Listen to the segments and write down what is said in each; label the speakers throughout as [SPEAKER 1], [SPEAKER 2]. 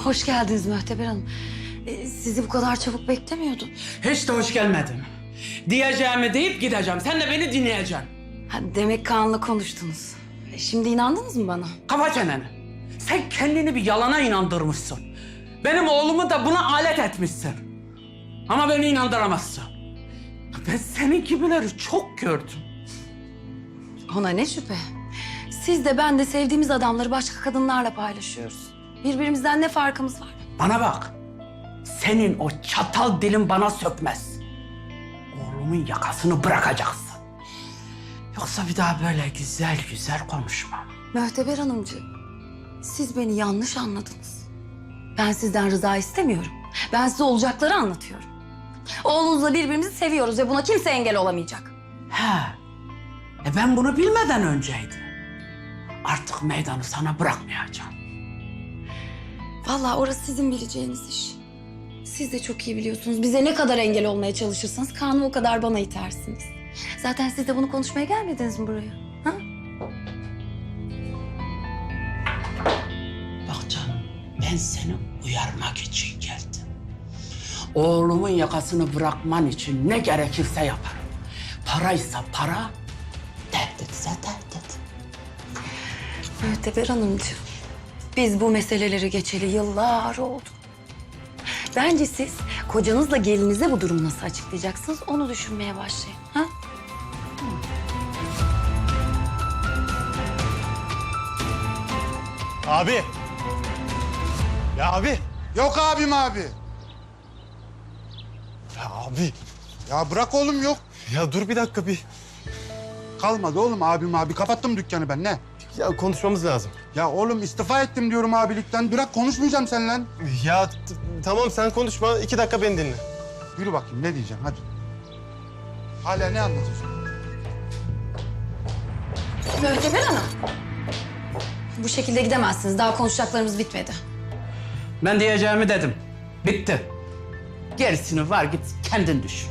[SPEAKER 1] Hoş geldiniz Möhteber Hanım. Sizi bu kadar çabuk beklemiyordum.
[SPEAKER 2] Hiç de hoş gelmedin. Diyeceğimi deyip gideceğim. Sen de beni dinleyeceksin.
[SPEAKER 1] Demek Kaan'la konuştunuz. Şimdi inandınız mı bana?
[SPEAKER 2] Kapa çeneni. Sen kendini bir yalana inandırmışsın. Benim oğlumu da buna alet etmişsin. Ama beni inandıramazsın. Ben senin gibileri çok gördüm.
[SPEAKER 1] Ona ne şüphe. Siz de ben de sevdiğimiz adamları başka kadınlarla paylaşıyoruz. Birbirimizden ne farkımız var?
[SPEAKER 2] Bana bak. Senin o çatal dilin bana sökmez. Oğlumun yakasını bırakacaksın. Yoksa bir daha böyle güzel güzel konuşmam.
[SPEAKER 1] Möhteber Hanımcığım, siz beni yanlış anladınız. Ben sizden rıza istemiyorum. Ben size olacakları anlatıyorum. Oğlunuzla birbirimizi seviyoruz ve buna kimse engel olamayacak.
[SPEAKER 2] He. Ben bunu bilmeden önceydi. Artık meydanı sana bırakmayacağım.
[SPEAKER 1] Vallahi orası sizin bileceğiniz iş. Siz de çok iyi biliyorsunuz. Bize ne kadar engel olmaya çalışırsanız Kaan'ı o kadar bana itersiniz. Zaten siz de bunu konuşmaya gelmediniz mi buraya? Ha?
[SPEAKER 2] Bak canım, ben seni uyarmak için geldim. Oğlumun yakasını bırakman için ne gerekirse yaparım. Paraysa para, tehditse tehdit.
[SPEAKER 1] Möhteber Hanımcığım, biz bu meseleleri geçeli yıllar oldu. Bence siz kocanızla gelinize bu durumu nasıl açıklayacaksınız onu düşünmeye başlayın. Ha?
[SPEAKER 3] Abi. Ya abi.
[SPEAKER 4] Yok abim abi.
[SPEAKER 3] Ya abi.
[SPEAKER 4] Ya bırak oğlum yok.
[SPEAKER 3] Ya dur bir dakika bir.
[SPEAKER 4] Kalmadı oğlum abim abi. Kapattım dükkanı ben ne?
[SPEAKER 3] Ya konuşmamız lazım.
[SPEAKER 4] Ya oğlum istifa ettim diyorum abilikten. Bırak konuşmayacağım seninle.
[SPEAKER 3] Ya tamam sen konuşma. 2 dakika beni dinle.
[SPEAKER 4] Yürü bakayım ne diyeceğim hadi. Hala ne anlatıyorsun?
[SPEAKER 1] Möhteber Hanım. Bu şekilde gidemezsiniz. Daha konuşacaklarımız bitmedi.
[SPEAKER 2] Ben diyeceğimi dedim. Bitti. Gerisini var git kendin düşün.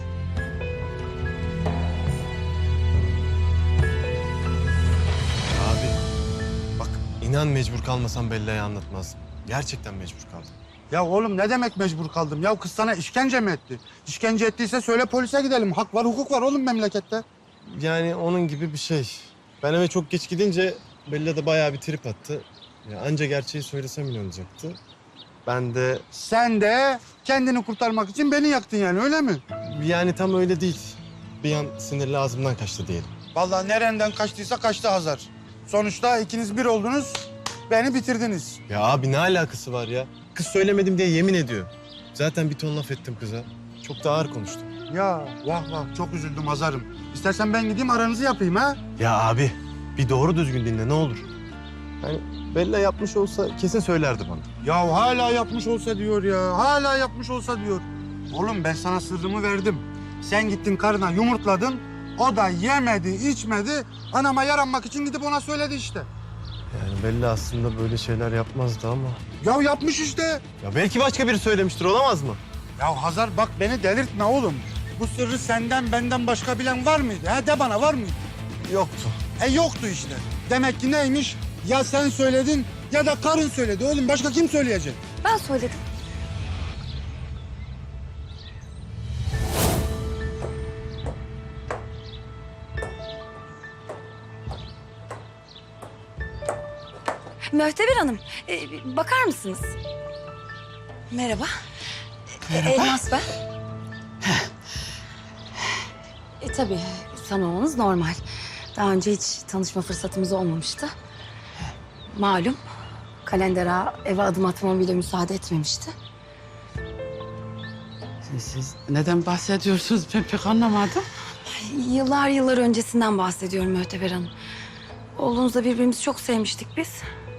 [SPEAKER 3] Abi. Bak inan mecbur kalmasam Bella'ya anlatmazdım. Gerçekten mecbur kaldım.
[SPEAKER 4] Ya oğlum ne demek mecbur kaldım? Ya kız sana işkence mi etti? İşkence ettiyse söyle polise gidelim. Hak var, hukuk var oğlum memlekette.
[SPEAKER 3] Yani onun gibi bir şey. Ben eve çok geç gidince Bella da bayağı bir trip attı. Ya anca gerçeği söylesem inanacaktı. Ben de
[SPEAKER 4] Sen de kendini kurtarmak için beni yaktın yani öyle mi?
[SPEAKER 3] yani tam öyle değil. Bir an sinirli ağzımdan kaçtı diyelim.
[SPEAKER 4] Vallahi nereden kaçtıysa kaçtı Hazar. Sonuçta ikiniz bir oldunuz, beni bitirdiniz.
[SPEAKER 3] Ya abi ne alakası var ya? Kız söylemedim diye yemin ediyor. Zaten bir ton laf ettim kıza. Çok da ağır konuştum.
[SPEAKER 4] Ya vah vah çok üzüldüm Hazar'ım. İstersen ben gideyim aranızı yapayım ha?
[SPEAKER 3] Ya abi bir doğru düzgün dinle ne olur. Yani Bella yapmış olsa kesin söylerdi bana.
[SPEAKER 4] Ya hala yapmış olsa diyor ya. Hala yapmış olsa diyor. Oğlum ben sana sırrımı verdim. Sen gittin karına yumurtladın. O da yemedi, içmedi. Anama yaranmak için gidip ona söyledi işte.
[SPEAKER 3] Yani Bella aslında böyle şeyler yapmazdı ama.
[SPEAKER 4] Ya yapmış işte.
[SPEAKER 3] Ya belki başka biri söylemiştir olamaz mı?
[SPEAKER 4] Ya Hazar bak beni delirtme oğlum. Bu sırrı senden benden başka bilen var mıydı? Ha de bana var mıydı?
[SPEAKER 3] Yoktu.
[SPEAKER 4] Yoktu işte. Demek ki neymiş? Ya sen söyledin ya da karın söyledi oğlum. Başka kim söyleyecek?
[SPEAKER 1] Ben söyledim. Möhteber Hanım, bakar mısınız? Merhaba.
[SPEAKER 2] Merhaba.
[SPEAKER 1] Elmas ben. Tabii, tanımanız normal. Daha önce hiç tanışma fırsatımız olmamıştı. Malum, Kalender Ağa eve adım atmama bile müsaade etmemişti.
[SPEAKER 2] Siz neden bahsediyorsunuz ben pek anlamadım.
[SPEAKER 1] Yıllar yıllar öncesinden bahsediyorum Möhteber Hanım. Oğlunuzla birbirimizi çok sevmiştik biz.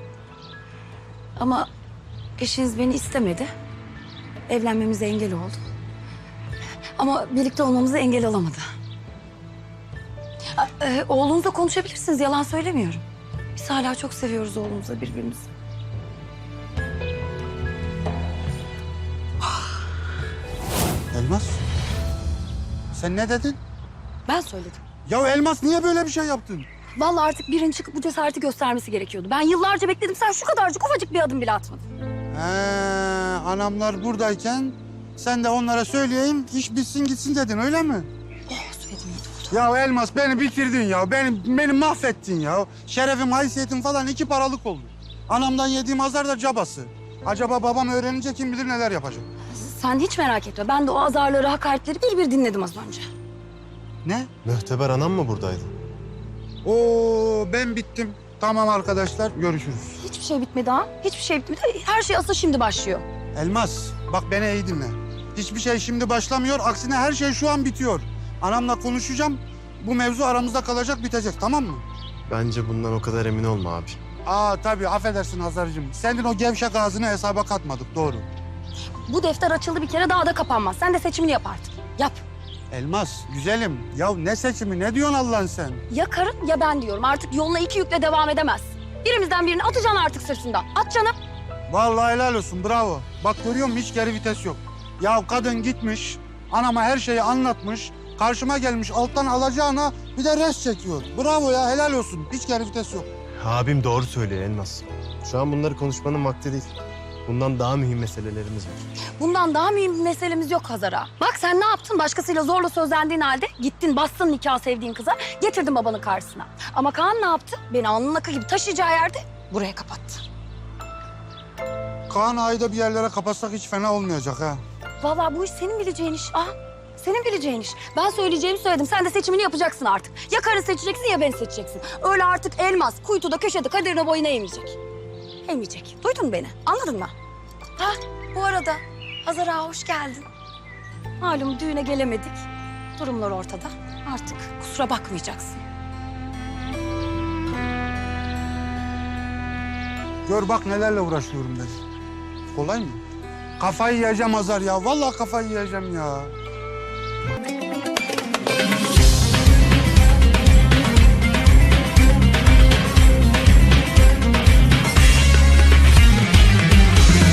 [SPEAKER 1] Ama eşiniz beni istemedi. Evlenmemize engel oldu. Ama birlikte olmamıza engel olamadı. Oğlunuzla konuşabilirsiniz, yalan söylemiyorum. Biz hala çok seviyoruz oğlumuzla birbirimizi.
[SPEAKER 4] Elmas. Sen ne dedin?
[SPEAKER 1] Ben söyledim.
[SPEAKER 4] Ya Elmas niye böyle bir şey yaptın?
[SPEAKER 1] Vallahi artık birinin çıkıp bu cesareti göstermesi gerekiyordu. Ben yıllarca bekledim, sen şu kadarcık ufacık bir adım bile atmadın.
[SPEAKER 4] Anamlar buradayken sen de onlara söyleyeyim, iş bitsin gitsin dedin öyle mi?
[SPEAKER 1] Oh, söyledim iyi oldu.
[SPEAKER 4] Ya Elmas beni bitirdin ya. Beni mahvettin ya. Şerefim, haysiyetim falan 2 paralık oldu. Anamdan yediğim azar da cabası. Acaba babam öğrenince kim bilir neler yapacak.
[SPEAKER 1] Sen hiç merak etme. Ben de o azarları, hakaretleri bir bir dinledim az önce.
[SPEAKER 4] Ne?
[SPEAKER 3] Mühteber anam mı buradaydı?
[SPEAKER 4] Oo, ben bittim. Tamam arkadaşlar, görüşürüz.
[SPEAKER 1] Hiçbir şey bitmedi ha. Hiçbir şey bitmedi. Her şey asıl şimdi başlıyor.
[SPEAKER 4] Elmas, bak beni iyi dinle. Hiçbir şey şimdi başlamıyor. Aksine her şey şu an bitiyor. Anamla konuşacağım. Bu mevzu aramızda kalacak, bitecek, tamam mı?
[SPEAKER 3] Bence bundan o kadar emin olma abi.
[SPEAKER 4] Tabii, affedersin Hazar'cığım. Senin o gevşek ağzını hesaba katmadık, doğru.
[SPEAKER 1] Bu defter açıldı bir kere, daha da kapanmaz. Sen de seçimini yap artık. Yap.
[SPEAKER 4] Elmas, güzelim. Ya ne seçimi, ne diyorsun Allah'ın sen?
[SPEAKER 1] Ya karın ya ben diyorum. Artık yoluna 2 yükle devam edemez. Birimizden birini atacaksın artık sırtından. At canım.
[SPEAKER 4] Vallahi helal olsun, bravo. Bak görüyor musun, hiç geri vites yok. Ya kadın gitmiş, anama her şeyi anlatmış. Karşıma gelmiş, alttan alacağına bir de res çekiyor. Bravo ya, helal olsun. Hiç geri vites yok.
[SPEAKER 3] Abim doğru söylüyor Elmas. Şu an bunları konuşmanın vakti değil. Bundan daha mühim meselelerimiz var.
[SPEAKER 1] Bundan daha mühim bir meselemiz yok Hazara. Bak sen ne yaptın? Başkasıyla zorla sözlendiğin halde gittin bastın nikah sevdiğin kıza, getirdin babanın karşısına. Ama Kaan ne yaptı? Beni alnının akı gibi taşıyacağı yerde buraya kapattı.
[SPEAKER 4] Kaan Ağa'yı da bir yerlere kapatsak hiç fena olmayacak ha.
[SPEAKER 1] Vallahi bu iş senin bileceğin iş. Senin bileceğin iş. Ben söyleyeceğimi söyledim. Sen de seçimini yapacaksın artık. Ya karı seçeceksin ya beni seçeceksin. Öyle artık Elmas kuytuda köşede kaderine boyuna eğmeyecek. Eğmeyecek. Duydun beni. Anladın mı? Bu arada Hazara hoş geldin. Malum düğüne gelemedik. Durumlar ortada. Artık kusura bakmayacaksın.
[SPEAKER 4] Gör bak nelerle uğraşıyorum ben. Kolay mı? Kafayı yiyeceğim Hazar ya. Vallahi kafayı yiyeceğim ya.